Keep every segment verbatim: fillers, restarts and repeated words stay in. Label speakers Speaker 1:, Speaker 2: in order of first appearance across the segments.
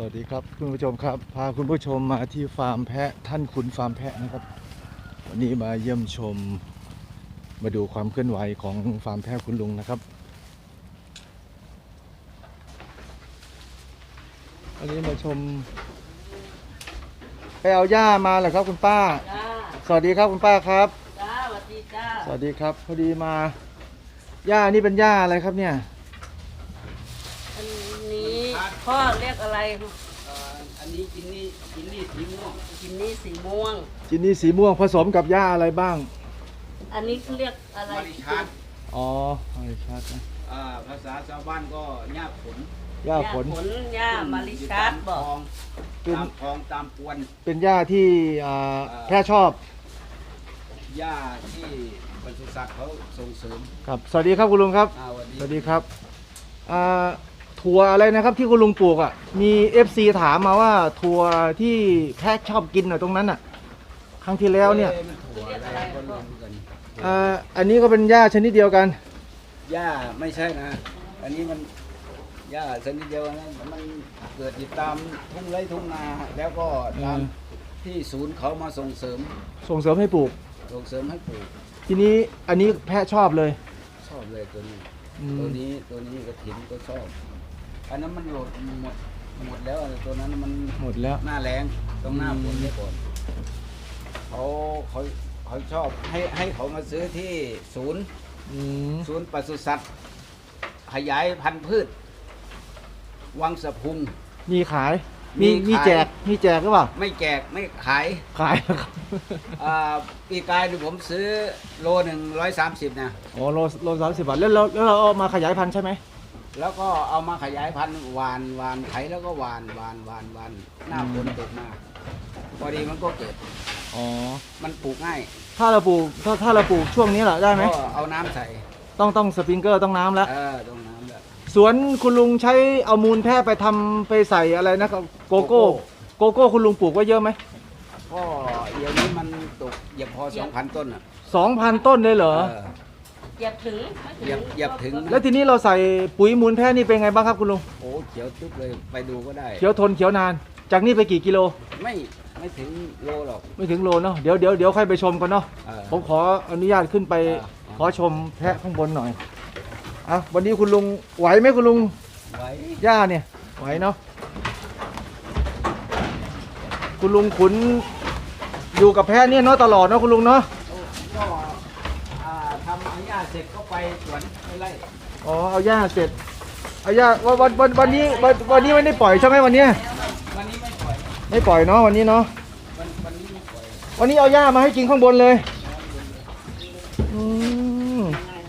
Speaker 1: วัสดีครับคุณผู้ชมครับพาคุณผู้ชมมาที่ฟาร์มแพะท่านขุนฟาร์มแพะนะครับวันนี้มาเยี่ยมชมมาดูความเคลื่อนไหวของฟาร์มแพะคุณลุงนะครับวันนี้มาชมไปเอาหญ้ามาเหรอครับคุณป้าสวัสดีครับคุณป้าครับ
Speaker 2: จ้าสวัสดีจ้า
Speaker 1: สวัสดีครับพอดีมาหญ้านี่เป็นหญ้าอะไรครับเนี่ย
Speaker 2: อันนี้พ่อเรียกอะไร
Speaker 3: อันนี้กินนี่กินนี่สีม่วง
Speaker 2: กินนี่สีม่วง
Speaker 1: จินนี่สีม่วงผสมกับหญ้าอะไรบ้าง
Speaker 2: อันนี้เขาเรียกอะไร
Speaker 3: มาริชัด
Speaker 1: อ๋อมาริชัดนะ
Speaker 3: อ่าภาษาชาวบ้านก็หญ้าผล
Speaker 1: หญ้าผล
Speaker 2: ผลหญ้ามาริชัดบอก
Speaker 3: ตามคลองตามปวน
Speaker 1: เป็นหญ้าที่แพะชอบ
Speaker 3: หญ้าที่ปศุสัตว์เขาส่งเสริม
Speaker 1: ครับสวัสดีครับคุณลุงครับสวัสดีครับถั่วอะไรนะครับที่คุณลุงปลูกอ่ะมี เอฟ ซี ถามมาว่าถั่วที่แพะชอบกินหน่อยตรงนั้นอ่ะครั้งที่แล้วเนี่ยอันนี้ก็เป็นหญ้าชนิดเดียวกัน
Speaker 3: หญ้าไม่ใช่นะอันนี้มันหญ้าชนิดเดียวนะมันเกิดติดตามทุ่งไร่ทุ่งนาแล้วก็ตามที่ศูนย์เขามาส่งเสริม
Speaker 1: ส่งเสริมให้ปลูก
Speaker 3: ส่งเสริมให้ปลูก
Speaker 1: ทีนี้อันนี้แพะชอบเลย
Speaker 3: ชอบเลยตัวนี้ตัวนี้ตัวนี้กระถิ่นก็ชอบอันนั้นมันหมดหมดหมดแล้วตัวนั้นมัน
Speaker 1: หมดแล้ว
Speaker 3: หน้าแรงต้องหน้าฝนไว้ก่อนเขาเขาเขาชอบให้ให้เขามาซื้อที่ศูนย์ศูนย์ปศุสัตว์ขยายพันธุ์พืชวังสะพุง
Speaker 1: มีขายมีมีแจกมีแจกหรือเปล่า
Speaker 3: ไม่แจกไม่ขาย
Speaker 1: ขายครับ
Speaker 3: ปีกายผมซื้อโลหนึ่งร้อยสามสิบนะ
Speaker 1: อ๋อโลโลสามสิบบาทแล้วเราแล้วเราเอามาขยายพันธุ์ใช่ไหม
Speaker 3: แล้วก็เอามาขยายพันธุ์หวานหวานไถแล้วก็หวานหวานหวานหวานหน้าฝนตกมาพอดีมันก็เกิด
Speaker 1: อ๋อ
Speaker 3: มันปลูกง่าย
Speaker 1: ถ้าเราปลูกถ้าถ้าเราปลูกช่วงนี้แหละได้ไหม
Speaker 3: ก็เอาน้ำใส่
Speaker 1: ต้องต้องสปริงเกอร์ต้องน้ำแล้ว
Speaker 3: เออต้องน้ำแล้ว
Speaker 1: สวนคุณลุงใช้เอามูลแพะไปทำไปใส่อะไรนะครับโกโก้โกโก้คุณลุงปลูกไว้เยอะไหม
Speaker 3: ก็เดี๋ยวนี้มันตกเหยียบพอสองพันต้นอ่ะ
Speaker 1: สองพันต้นเลยเหรอ
Speaker 2: เหยียบถึง
Speaker 3: เหยียบเหยียบถึง
Speaker 1: แล้วทีนี้เราใส่ปุ๋ยมูลแพะนี่เป็นไงบ้างครับคุณลุง
Speaker 3: โอ้เขียวตึ๊บเลยไปดูก็ได้
Speaker 1: เขียวทนเขียวนานจากนี่ไปกี่กิโล
Speaker 3: ไม่ไม่ถึงโลหรอก
Speaker 1: ไม่ถึงโลเนาะเดี๋ยวเดี๋ยวเดี๋ยวค่อยไปชมกันเนาะผมขออนุญาตขึ้นไปขอชมแพะข้างบนหน่อยอ่ะวันนี้คุณลุงไหวไหมคุณลุง
Speaker 3: ไหว
Speaker 1: ย่าเนี่ยไหวเนาะคุณลุงขุนอยู่กับแพะเนี่ยเนาะตลอดเนาะคุณลุงเนาะ
Speaker 3: ก็ทำเอาหญ้าเสร็จก็ไปสวนไปไร่
Speaker 1: อ๋อเอาหญ้าเสร็จเอาหญ้าวันวันวันนี้วันวันนี้ไม่ได้ปล่อยใช่ไหมวันนี้
Speaker 3: วันนี้ไม่ปล่อย
Speaker 1: ไม่ปล่อยเนาะวันนี้เนาะ
Speaker 3: วันวันนี้ไม่ปล่อย
Speaker 1: วันนี้เอาหญ้ามาให้กินข้างบนเลยอืม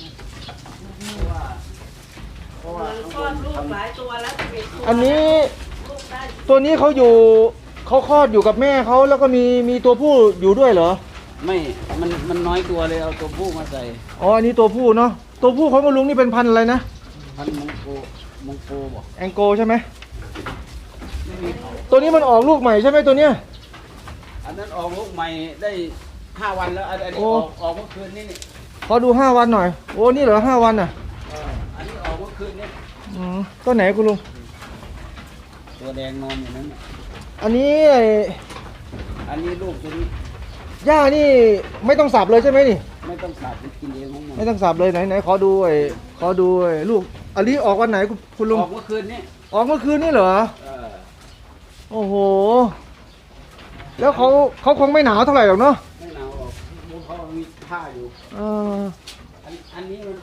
Speaker 1: อันนี้ตัวนี้เขาอยู่เขาคลอดอยู่กับแม่เขาแล้วก็มีมีตัวผู้อยู่ด้วยเหรอ
Speaker 3: ไม่มันมันน้อยตัวเลยเอาตัวผู้มาใส่
Speaker 1: อ๋ออันนี้ตัวผู้เนาะตัวผู้ของคุณลุงนี่เป็นพันธุ์อะไรนะ
Speaker 3: พันธุ์มงโกมงโกบอก
Speaker 1: แองโกใช่ไหมตัวนี้มันออกลูกใหม่ใช่ไหมตัวเนี้ย
Speaker 3: อันนั้นออกลูกใหม่ได้ห้าวันแล้วอันนี้ออกออกเมื่อคืนนี่นี่
Speaker 1: ขอดูห้าวันหน่อยโอ้นี่เหรอห้าวันอ่ะ
Speaker 3: อันนี้ออกเมื่อคืนนี่
Speaker 1: อืมตัวไหนคุณลุง
Speaker 3: ตัวแดงนอนอยู่นั้น
Speaker 1: อันนี้
Speaker 3: อันนี้ลูกตัวนี้
Speaker 1: หญ้านี่ไม่ต้องสับเลยใช่ไหมนี่
Speaker 3: ไม่ต้องสับกินเองของมัน
Speaker 1: ไม่ต้องสับเลยไหนไหนขอดูไอ้ขอดูไอ้ลูกอันนี้ออกวันไหนคุณลุง
Speaker 3: ออกเมื่อคืนนี้
Speaker 1: ออกเมื่อคืนนี้เหรอโอ้โหแล้วเขาเขาคงไม่หนาวเท่าไหร่หรอกเนาะ
Speaker 3: ไม่หนาวหรอกเขามีผ้าอยู่
Speaker 1: เออ
Speaker 3: อันนี้มัน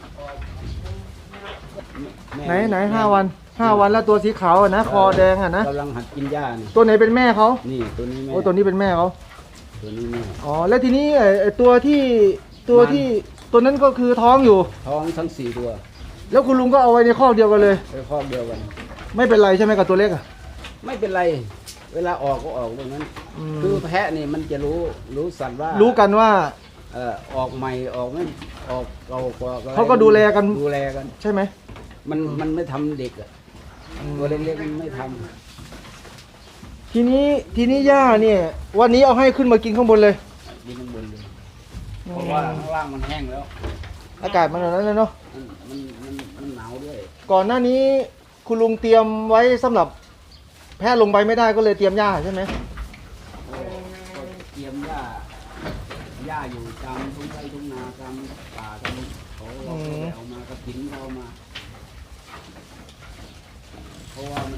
Speaker 1: ไหนไหนห้าวันห้าวันแล้วตัวสีขาวอ่ะนะคอแดงอ่ะนะ
Speaker 3: กำลังหัดกินหญ้านี่
Speaker 1: ตัวไหนเป็นแม่เขา
Speaker 3: นี่ตัวนี้แม่
Speaker 1: โอ้ตัวนี้เป็นแม่เขา
Speaker 3: ตัวนี้แม่
Speaker 1: อ๋อแล้วทีนี้ไอ้ตัวที่ตัวที่ตัวนั้นก็คือท้องอยู่
Speaker 3: ท้องทั้งสี่ตัว
Speaker 1: แล้วคุณลุงก็เอาไว้ในคอกเดียวกันเลย
Speaker 3: ในคอกเดียวกัน
Speaker 1: ไม่เป็นไรใช่ไหมกับตัวเล็กอ่ะ
Speaker 3: ไม่เป็นไรเวลาออกก็ออกตรงนั้นคือแพะนี่มันจะรู้รู้สัตว์ว่า
Speaker 1: รู้กันว่า
Speaker 3: เออออกใหม่ออกไม่ออกเก่ากว่า
Speaker 1: เขาก็ดูแลกัน
Speaker 3: ดูแลกัน
Speaker 1: ใช่ไหม
Speaker 3: มันมันไม่ทำเด็กอ่ะตัวเล็กๆมันไม่ทำ
Speaker 1: ทีนี้ทีนี้ย่าเนี่ยวันนี้เอาให้ขึ้นมากินข้างบนเลย
Speaker 3: กินข้างบนเลยเพราะว่าข้างล่างมันแห้งแล้ว
Speaker 1: อากาศมันแบบนั้นเลยเนาะ
Speaker 3: มันมันมันหนาวด้วย
Speaker 1: ก่อนหน้านี้คุณลุงเตรียมไว้สำหรับแพะลงไปไม่ได้ก็เลยเตรียมหญ้าใช่ไหม
Speaker 3: ก็ก็เตรียมหญ้าหญ้าอยู่ตามทุ่งไร่ทุ่งนาตามป่าตามเขาเราก็ไปเอามากระถิ่นเราเอามา เพราะว่ามัน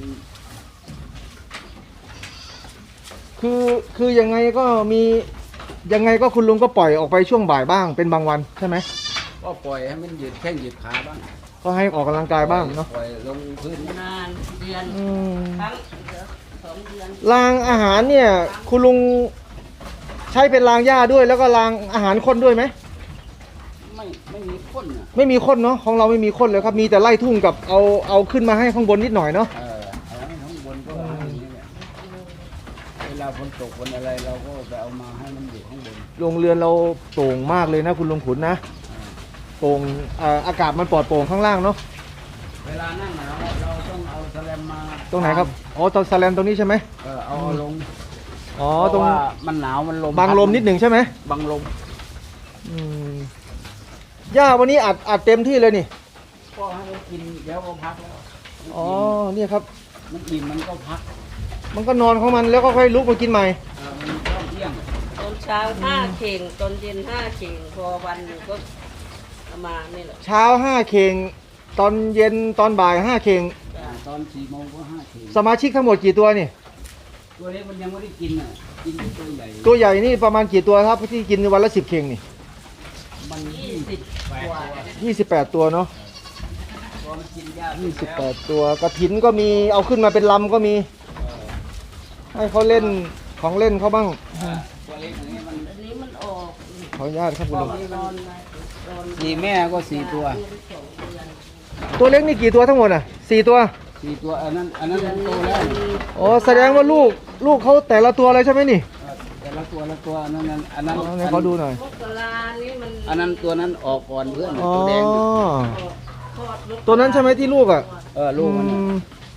Speaker 1: คือคือยังไงก็มียังไงก็คุณลุงก็ปล่อยออกไปช่วงบ่ายบ้างเป็นบางวันใช่ไหม
Speaker 3: ก็ปล่อยให้มันยืดแข้งยืดขาบ้าง
Speaker 1: ก็ให้ออกกำลังกายบ้างเนาะ
Speaker 3: ปล่อยลงพื้น
Speaker 2: นานเดือน
Speaker 1: อืม
Speaker 2: ครั้งเดือนสองเดือน
Speaker 1: รางอาหารเนี่ย คุณลุงใช้เป็นรางหญ้าด้วยแล้วก็รางอาหารข้นด้วยไหม
Speaker 3: ไม่ไม่มีข้นอ่ะ
Speaker 1: ไม่มีข้นเนาะของเราไม่มีข้นเลยครับมีแต่ไล่ทุ่งกับเอาเอาขึ้นมาให้ข้างบนนิดหน่อยเนาะ
Speaker 3: เออเอาให้ข้างบนก็เอาอย่างนี้แหละเวลาฝนตกฝนอะไรเราก็ไปเอามาให้มันอยู่ข้างบน
Speaker 1: โรงเรือนเราโปร่งมากเลยนะคุณลุงขุนนะโปร่งเอ่ออากาศมันปลอดโปร่งข้างล่างเนาะ
Speaker 3: เวลานั่งหนาวเราต้องเอาแสแลมมา
Speaker 1: ตรงไหนครับอ๋อตอนสแลนตรงนี้ใช่ไหม
Speaker 3: เออเอาลง
Speaker 1: อ๋อ
Speaker 3: เพ
Speaker 1: ตร
Speaker 3: ราะ
Speaker 1: ง
Speaker 3: ว่ามันหนาวมันลม
Speaker 1: บังลมนิดหนึ่งใช่ไหม
Speaker 3: บังลม
Speaker 1: อืมหญ้าวันนี้อัดอัดเต็มที่เลยนี่
Speaker 3: ก็ให้มันกินเดี๋ยวก็พักแล้ว
Speaker 1: อ๋อเนี่ยครับ
Speaker 3: มันอิ่มมันก็พัก
Speaker 1: มันก็นอนของมันแล้วก็ค่อยลุกมากินใหม่
Speaker 3: เออมันก็เที่ยง
Speaker 2: ตอนเช้าห้าเข่งตอนเย็นห้าเข่งพอวันหนึ่งก็ประมาณนี่แหละ
Speaker 1: เช้าห้าเข่งตอนเย็นตอนบ่ายห้าเข่ง
Speaker 3: อ่าตอนสี่โมงก็ห้าที
Speaker 1: สมาชิกทั้งหมดกี่ตัวนี่
Speaker 3: ตัวเล็กมันยังไม่ได้กินอ่ะกินที่ตัวใหญ่
Speaker 1: ตัวใหญ่นี่ประมาณกี่ตัวครับที่กินวันละสิบเข่งนี่
Speaker 3: มัน
Speaker 2: ยี่
Speaker 3: ยี่
Speaker 2: สิ
Speaker 3: สิ
Speaker 2: บบ
Speaker 3: แปด
Speaker 2: กว่า
Speaker 3: ตัว
Speaker 1: ยี่สิบแปดตัวเนาะ
Speaker 3: ตัวมันกินยาก
Speaker 1: ยี่สิบแปดตัวกระถินก็มีเอาขึ้นมาเป็นลำก็มี
Speaker 3: เออ
Speaker 1: ให้เขาเล่นของเล่นเขาบ้าง
Speaker 3: อ่าตัวเล็กอย่างนี้มัน
Speaker 2: อันนี้มันออก
Speaker 1: ขออนุญาตครับคุณลุง
Speaker 2: นอนไปนอน
Speaker 3: สี่แม่ก็สี่ตัว
Speaker 2: เดือนสองเดือน
Speaker 1: ตัวเล็กนี่กี่ตัวทั้งหมดอ่ะสี่ตัว
Speaker 3: สี่ตัวอันนั้นอันนั้นมันโตแล้ว
Speaker 1: อ๋อแสดงว่าลูกลูกเขาแต่ละตัวเลยใช่ไหมนี่
Speaker 3: เออแต่ละตัวละตัวอันนั้นอันอันนั้น
Speaker 1: เอาให้เขาดูหน่อย
Speaker 2: มกรานี่มัน
Speaker 3: อันนั้นตัวนั้นออกก่อนเพื่อน
Speaker 1: อ๋อ
Speaker 3: ตัวแดง
Speaker 2: ออกคลอดมกรา
Speaker 1: ตัวนั้นใช่ไหมที่ลูกอ่ะ
Speaker 3: เออลูกมัน
Speaker 1: อืม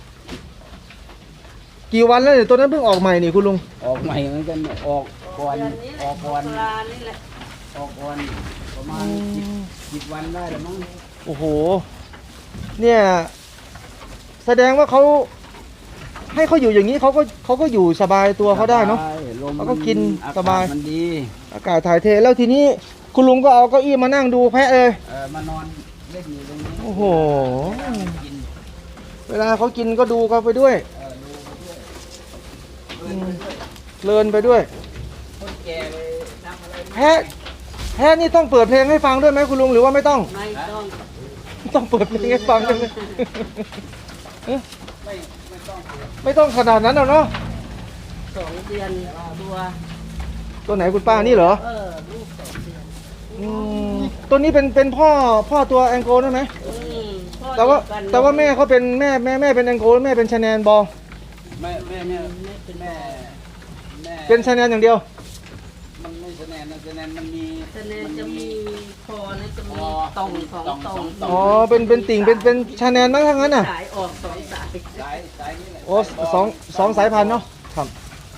Speaker 1: กี่วันแล้วเนี่ยตัวนั้นเพิ่งออกใหม่นี่คุณลุง
Speaker 3: ออกใหม่เหมือนกันออกก่อน
Speaker 2: เดือนนี้แห
Speaker 3: อ
Speaker 2: ละ
Speaker 3: อกก่อน
Speaker 2: มกรานี่แหละ
Speaker 3: ออกก่อนประมาณสิบสิบวันได้แล้วมั้ง
Speaker 1: โอ้โห เนี่ย แสดงว่าเขาให้เขาอยู่อย่างนี้เขาก็เขาก็อยู่สบายตัวเขาได้เนาะ
Speaker 3: ใช่ลม
Speaker 1: เขาก็กิน
Speaker 3: อ
Speaker 1: สบาย
Speaker 3: มันดี
Speaker 1: อากาศถ่ายเทแล้วทีนี้คุณลุงก็เอาเก้าอี้มานั่งดูแพะเลย
Speaker 3: เออมานอนเล่นอยู่ตรงนี้
Speaker 1: โอ้โห
Speaker 3: กิน
Speaker 1: เวลาเขากินก็ดูเขาไปด้วย
Speaker 3: เออดูไปด้วย
Speaker 1: อืมเพลินไปด้วย
Speaker 3: คนแก่ไปทำอะไรไม่
Speaker 1: แพะแพะนี่ต้องเปิดเพลงให้ฟังด้วยไหมคุณลุงหรือว่าไม่ต้อง
Speaker 2: ไม่ต้อง
Speaker 1: ต้องเปิดเพลงให้ฟังด้วยไหม
Speaker 3: ไม่ไม่ต้องเสีย
Speaker 1: ไม่ต้องขนาดนั้นหรอกเนาะ
Speaker 2: สองเดือนตัว
Speaker 1: ตัวไหนคุณป้านี่เหรอ
Speaker 2: เออลูกสองเดือน
Speaker 1: อืมตัวนี้เป็นเป็นพ่อพ่อตัวแองโกลใช่ไหม
Speaker 2: อืมพ่อ
Speaker 1: แต่ว่า
Speaker 2: เดียกัน
Speaker 1: แต่ว่าแม่เขาเป็นแม่แม่แม่เป็นแองโกลแม่เป็นชาแนนบอล
Speaker 3: แม่แม่เนี่ย
Speaker 2: ไม่เป็น
Speaker 3: แม่แม่
Speaker 1: เป็นชาแนนอย่างเดียว
Speaker 3: มันไม่คะแนนนะคะแนนมันมี
Speaker 2: คะแนนจะมีคอนะจะมี
Speaker 3: อ๋อ
Speaker 2: ตรงสอง
Speaker 3: ตรง
Speaker 2: ตร
Speaker 3: สอง งตรง
Speaker 1: อ๋อเป็นเป็นติ่งเป็นเป็นชาแนนมั้งทั้งนั้นน่ะ
Speaker 2: สายออกสองสาย
Speaker 3: สายสายนี่แหละ
Speaker 1: โอ้สองสองสายพันธุ์เนาะครับ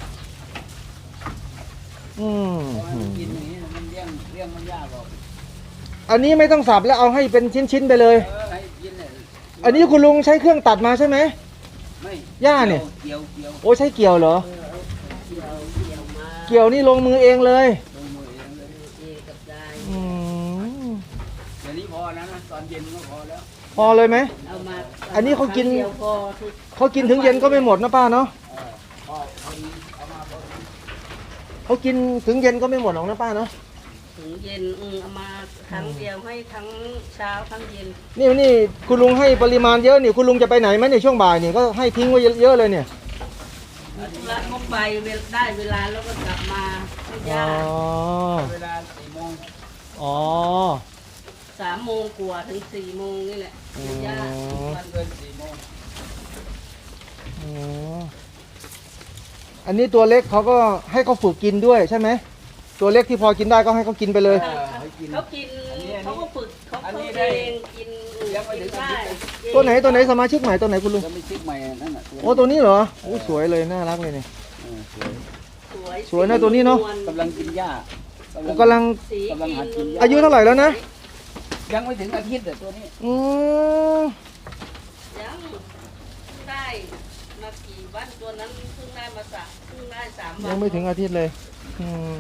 Speaker 1: อืม
Speaker 3: เพราะว่ามันกินอย่างนี้มันเลี้ยงเลี้ยงมันยากหรอก
Speaker 1: อันนี้ไม่ต้องสับแล้วเอาให้เป็นชิ้นๆไปเลย
Speaker 3: เออให้กินเนี่ย
Speaker 1: อันนี้คุณลุงใช้เครื่องตัดมาใช่ไหม
Speaker 3: ไม่
Speaker 1: ย่าเนี่ย
Speaker 3: เกี่ยวเกี่ยว
Speaker 1: โอ้ใช้เกี่ยวเหรอ
Speaker 2: เออเอาเกี่ยวเกี่ยวมา
Speaker 1: เกี่ยวนี่ลงมือเองเลย
Speaker 3: ลงมือเองเลย
Speaker 2: เอกับยาย
Speaker 1: อืม
Speaker 3: เดี๋ยวนี้พอแล้วนะตอนเย็นก็พอแล้ว
Speaker 1: พอเลยไหม
Speaker 2: เอามา
Speaker 1: อันนี้เขากิน
Speaker 2: ครั้งเดียวพอทุก
Speaker 1: เขากินถึงเย็นก็ไม่หมดนะป้าเนาะ
Speaker 3: เออพอพอดีเอามาพอดี
Speaker 1: เขากินถึงเย็นก็ไม่หมดหรอกนะป้าเนาะ
Speaker 2: ถึงเย็นอืมเอามาครั้งเดียวให้ทั้งเช้าทั้งเย็น
Speaker 1: นี่นี่คุณลุงให้ปริมาณเยอะนี่คุณลุงจะไปไหนไหมในช่วงบ่ายนี่ก็ให้ทิ้งไว้เยอะๆเลยเนี่ย
Speaker 2: มีธุระก็ไปเวลได้เวลาแล้วก็กลับมาไม่
Speaker 1: อ๋
Speaker 2: ยา
Speaker 1: อก
Speaker 3: เวลาสี่โมง
Speaker 1: อ๋อ
Speaker 2: สามโมงกว่าถึงสี่โมงนี่แหละไม่ยากทุกวัน
Speaker 3: เกินสี่โมง
Speaker 1: อ๋ออันนี้ตัวเล็กเขาก็ให้เขาฝึกกินด้วยใช่ไหมตัวเล็กที่พอกินได้ก็ให้เขากินไปเลย
Speaker 3: เออให้กิน
Speaker 2: เขากินเขาก็ฝึกเขา
Speaker 3: อัน
Speaker 2: เขา
Speaker 3: นี้
Speaker 2: เอ
Speaker 3: ได้
Speaker 2: งกิน
Speaker 3: ยังไม่ถึง
Speaker 2: ได้
Speaker 1: ตัวไหนตัวไหนสมาชิกใหม่ตัวไหนคุณลุง
Speaker 3: จะไม่ชิกใหม่นั่นน่ะ
Speaker 1: โอ้ตัวนี้เหรอโอ้สวยเลยน่ารักเลยเนี่ย
Speaker 3: เออสวย
Speaker 2: สวย
Speaker 1: สวยนะตัวนี้เนอะ
Speaker 3: กำลังกินหญ้า
Speaker 1: ผมกำลัง
Speaker 2: สี
Speaker 3: กำลังหัดกิน
Speaker 1: อายุเท่าไหร่แล้วนะ
Speaker 3: ยังไม่ถึงอาทิตย์แต่ตัวนี้
Speaker 1: อืม
Speaker 2: ยังได้มากี่บ้านตัวนั้นเพิ่งได้มาสักเพิ่งได้สามวัน
Speaker 1: ยังไม่ถึงอาทิตย์เลยอืม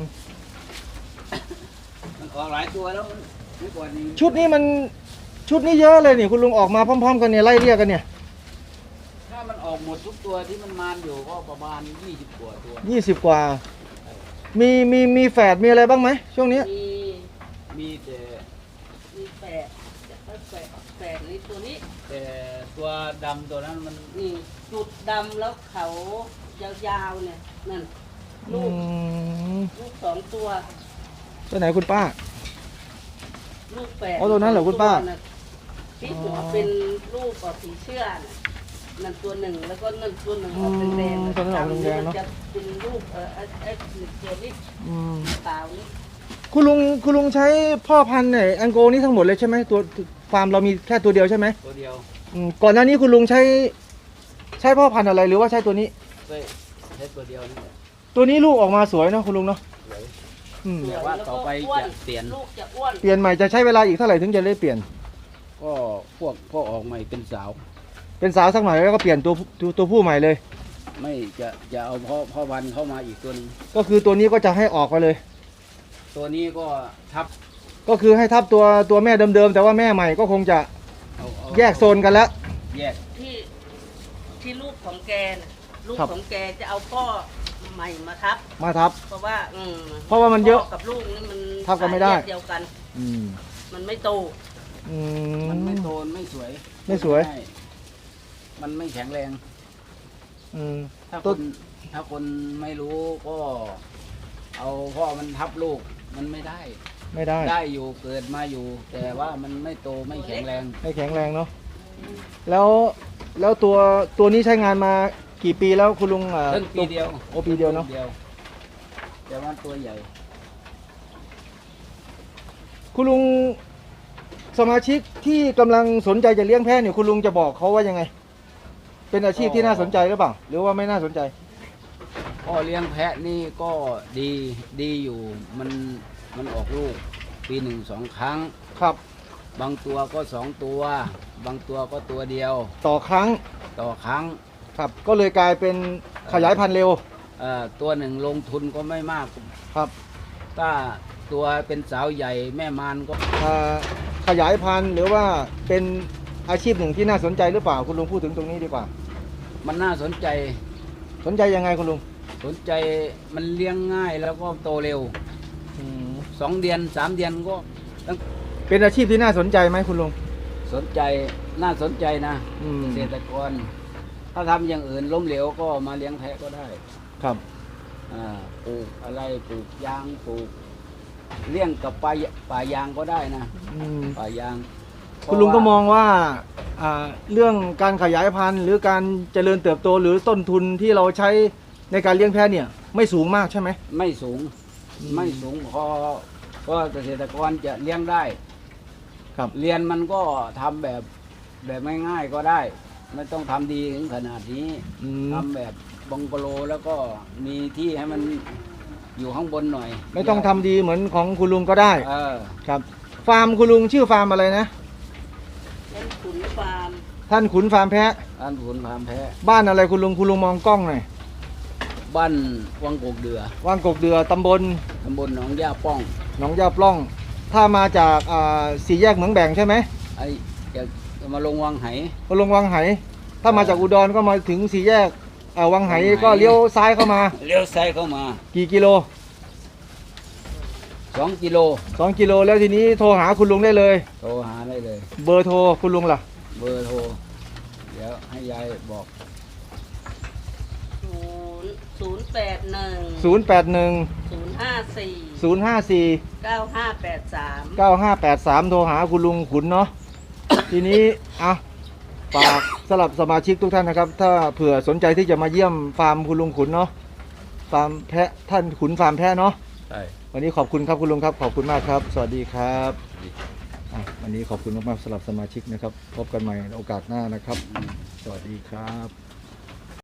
Speaker 3: มันออกหลายตัวแล้วเมื่อก่อนนี้
Speaker 1: ชุดนี้มันชุดนี้เยอะเลยนี่คุณลุงออกมาพร้อมๆกันเนี่ยไล่เรียกกันเนี่ย
Speaker 3: ถ้ามันออกหมดทุกตัวที่มันมานอยู่ก็ประมาณยี่สิบกว่าตัว
Speaker 1: ยี่สิบกว่า มีมีมีแฝดมีอะไรบ้างไหมช่วงนี้
Speaker 2: มี
Speaker 3: มีแต่
Speaker 2: มีแปดแปดแปดนี่ตัวนี้
Speaker 3: แต่ตัวดำตัวนั้นมัน
Speaker 2: นี่จุดดำแล้วเขายาวๆเนี่ยนั่น
Speaker 1: อื
Speaker 2: ลูก
Speaker 1: ม
Speaker 2: ลูกสองตัว
Speaker 1: ตัวไหนคุณป้า
Speaker 2: ลูกแปด
Speaker 1: อ๋อตัวนั้นเหรอคุณป้า
Speaker 2: น่ะที่หัวเป็นลูกกับสีเชื่อน่ะนั่นตัวหนึ่งแล้วก็นั่นตัวหนึ่งออกแดง
Speaker 1: อืมตัวนั้นออกแดงๆเนอะ
Speaker 2: จะเป็นลูกเออไอ้ไอ้ตัวนี้
Speaker 1: อืม
Speaker 2: ขาวนี่
Speaker 1: คุณลุงคุณลุงใช้พ่อพันธุ์ไหนอังโกนี่ทั้งหมดเลยใช่ไหมตัวฟาร์มเรามีแค่ตัวเดียวใช่ไหม
Speaker 3: ตัวเดียว
Speaker 1: อืมก่อนหน้านี้คุณลุงใช้ใช้พ่อพันธุ์อะไรหรือว่าใช้ตัวนี้
Speaker 3: ใช่ใช้ตัวเดียวนี่แหละ
Speaker 1: ตัวนี้ลูกออกมาสวยเนาะคุณลุงเนาะ
Speaker 3: สวย
Speaker 1: อืม
Speaker 3: แต่ว่าต่อไปจะเปลี่ยน
Speaker 2: ลูกจะอ้วน
Speaker 1: เปลี่ยนใหม่จะใช้เวลาอีกเท่าไหร่ถึงจะได้เปลี่ยน
Speaker 3: ก็พวกพวกออกใหม่เป็นสาว
Speaker 1: เป็นสาวสักหน่อยแล้วก็เปลี่ยนตัวตัวตัวผู้ใหม่เลย
Speaker 3: ไม่จะจะเอาพ่อพ่อพันธุ์เข้ามาอีกตัวหนึง
Speaker 1: ก็คือตัวนี้ก็จะให้ออกไปเลย
Speaker 3: ตัวนี้ก็ทับ
Speaker 1: ก็คือให้ทับตัวตัวแม่เดิมๆแต่ว่าแม่ใหม่ก็คงจะ
Speaker 3: เอาเอา
Speaker 1: แยกโซนกันแล้ว
Speaker 3: แยก
Speaker 2: ที่ที่ลูกของแกน่ะลูก
Speaker 1: ครับ
Speaker 2: ของแกจะเอาพ่อใหม่มาทับ
Speaker 1: มาทับ
Speaker 2: เพราะว่าอืม
Speaker 1: เพราะว่ามันเยอะ
Speaker 2: พ่กับลูกนี่มัน
Speaker 1: ทับกันไม่ได้
Speaker 2: สายเลือเดียวกัน
Speaker 1: อืม
Speaker 2: มันไม่โต
Speaker 1: อื
Speaker 3: มันไม่โตนไม่สวย
Speaker 1: ไม่สวย
Speaker 3: ใช่มันไม่แข็งแรง
Speaker 1: อืม
Speaker 3: ถ้า
Speaker 1: ต้
Speaker 3: คน นถ้าคนไม่รู้ก็ เอาพ่อมันทับลูกมันไม่ได้
Speaker 1: ไม่ได้
Speaker 3: ได้อยู่เกิดมาอยู่ แต่ว่ามันไม่โตไม่แข็งแรง
Speaker 1: ไม่แข็งแรงเนาะแล้วแล้วตัวตัวนี้ใช้งานมากี่ปีแล้วคุณลุงอ่า
Speaker 3: เพิ่งปีเดียว
Speaker 1: โอ้ปีเดียวเนาะ
Speaker 3: เดียวแต่ว่าตัวใหญ่
Speaker 1: คุณลุงสมาชิกที่กำลังสนใจจะเลี้ยงแพะเนี่ยคุณลุงจะบอกเขาว่ายังไง เป็นอาชีพที่น่าสนใจหรือเปล่า หรือว่าไม่น่าสนใจ
Speaker 3: พ่อเลี้ยงแพะนี่ก็ดีดีอยู่มันมันออกลูก ปีหนึ่งสองครั้ง
Speaker 1: ครับ
Speaker 3: บางตัวก็สองตัว บางตัวก็ตัวเดียว
Speaker 1: ต่อครั้ง
Speaker 3: ต่อครั้ง
Speaker 1: ครับ ก็เลยกลายเป็นขยายพันธุ์เร็ว
Speaker 3: เอ่อตัวหนึ่งลงทุนก็ไม่มาก
Speaker 1: ครับ
Speaker 3: ถ้าตัวเป็นสาวใหญ่แม่มานก็
Speaker 1: อ่าขยายพันธุ์หรือว่าเป็นอาชีพหนึ่งที่น่าสนใจหรือเปล่าคุณลุงพูดถึงตรงนี้ดีกว่า
Speaker 3: มันน่าสนใจ
Speaker 1: สนใจยังไงคุณลุง
Speaker 3: สนใจมันเลี้ยงง่ายแล้วก็โตเร็ว
Speaker 1: อืม
Speaker 3: สองเดือนสามเดือนก็ต้อง
Speaker 1: เป็นอาชีพที่น่าสนใจไหมคุณลุง
Speaker 3: สนใจน่าสนใจนะ
Speaker 1: อืม
Speaker 3: เกษตรกร ถ้าทำอย่างอื่นล้มเหลวก็มาเลี้ยงแพะก็ได้
Speaker 1: ครับ
Speaker 3: อ่าปลูกอะไรปลูกยางปลูกเลี้ยงกับป่าป่ายางก็ได้นะ
Speaker 1: อืม
Speaker 3: ป่ายาง
Speaker 1: คุณลุงก็มองว่าอ่าเรื่องการขยายพันธุ์หรือการเจริญเติบโตหรือต้นทุนที่เราใช้ในการเลี้ยงแพะเนี่ย ไม่สูงมากใช่ไหม
Speaker 3: ไม่สูง
Speaker 1: อืม
Speaker 3: ไม่สูงพอก็เกษตรกรจะเลี้ยงได้
Speaker 1: ครับ
Speaker 3: เรียนมันก็ทำแบบแบบง่ายๆก็ได้ ไม่ต้องทำดีถึงขนาดนี้
Speaker 1: อืม
Speaker 3: ทำแบบบังกะโลแล้วก็มีที่ให้มันอยู่ข้างบนหน่อย
Speaker 1: ไม่ต้องทำดีเหมือนของคุณลุงก็ได้
Speaker 3: เออ
Speaker 1: ครับ ฟาร์มคุณลุงชื่อฟาร์มอะไรนะ
Speaker 2: เป็นขุนฟาร์ม
Speaker 1: ท่านขุนฟาร์มแพะ
Speaker 3: อันผุนพามแพ้
Speaker 1: บ้านอะไรคุณลุงคุณลุงมองกล้องหน่อย
Speaker 3: บ้านวังกกเดือ
Speaker 1: ว่างกกเดือตำบล
Speaker 3: ตำบลหนองย่าป้อง
Speaker 1: หนองยาปล้อง ถ้ามาจากอ่าสี่แยกเหมืองแบ่งใช่ไหม
Speaker 3: ไอ้จะจะมาลงวังไห
Speaker 1: มาลงวังไห ถ้ามาจากอุดรก็มาถึงสี่แยกอ่าวังไห
Speaker 3: วังไห
Speaker 1: ก็เลี้ยวซ้ายเข้ามา
Speaker 3: เลี้ยวซ้ายเข้ามา
Speaker 1: กี่กิโล
Speaker 3: สองกิโล
Speaker 1: สองกิโลแล้วทีนี้โทรหาคุณลุงได้เลย
Speaker 3: โทรหาได้เลย
Speaker 1: เบอร์โทรคุณลุงล่ะ
Speaker 3: เบอร์โทร เดี๋ยวให้ยายบอก
Speaker 2: ศูนย์ศูนย์แปดหนึ่ง
Speaker 1: ศูนย์ แปด หนึ่ง
Speaker 2: ศูนย์ห้าสี่
Speaker 1: ศูนย์ ห้า สี่
Speaker 2: เก้าห้าแปดสาม
Speaker 1: เก้า ห้า แปด สาม โทรหาคุณลุงขุนเนาะ ทีนี้อ่ะฝากสำหรับสมาชิกทุกท่านนะครับ ถ้าเผื่อสนใจที่จะมาเยี่ยมฟาร์มคุณลุงขุนเนาะ ฟาร์มแพะท่านขุนฟาร์มแพะเนาะ
Speaker 3: ใช่
Speaker 1: วันนี้ขอบคุณครับคุณลุงครับ ขอบคุณมากครับ สวัสดีครับอ่ะวันนี้ขอบคุณมากๆสำหรับสมาชิกนะครับ พบกันใหม่ในโอกาสหน้านะครับ สวัสดีครับ